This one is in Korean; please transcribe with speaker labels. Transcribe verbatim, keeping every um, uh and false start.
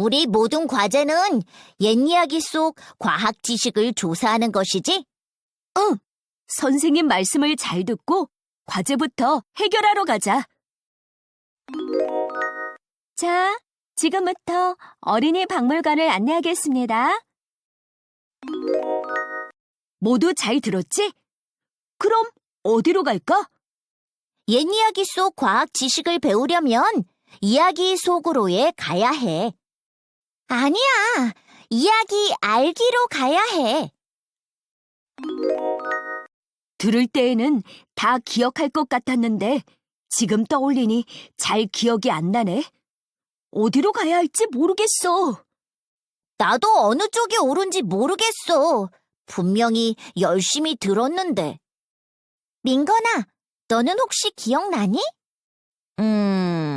Speaker 1: 우리 모든 과제는 옛 이야기 속 과학 지식을 조사하는 것이지?
Speaker 2: 응, 선생님 말씀을 잘 듣고 과제부터 해결하러 가자. 자, 지금부터 어린이 박물관을 안내하겠습니다. 모두 잘 들었지? 그럼 어디로 갈까?
Speaker 1: 옛 이야기 속 과학 지식을 배우려면 이야기 속으로에 가야 해. 아니야, 이야기 알기로 가야 해.
Speaker 2: 들을 때에는 다 기억할 것 같았는데 지금 떠올리니 잘 기억이 안 나네. 어디로 가야 할지 모르겠어.
Speaker 1: 나도 어느 쪽이 옳은지 모르겠어. 분명히 열심히 들었는데. 민건아, 너는 혹시 기억나니? 음...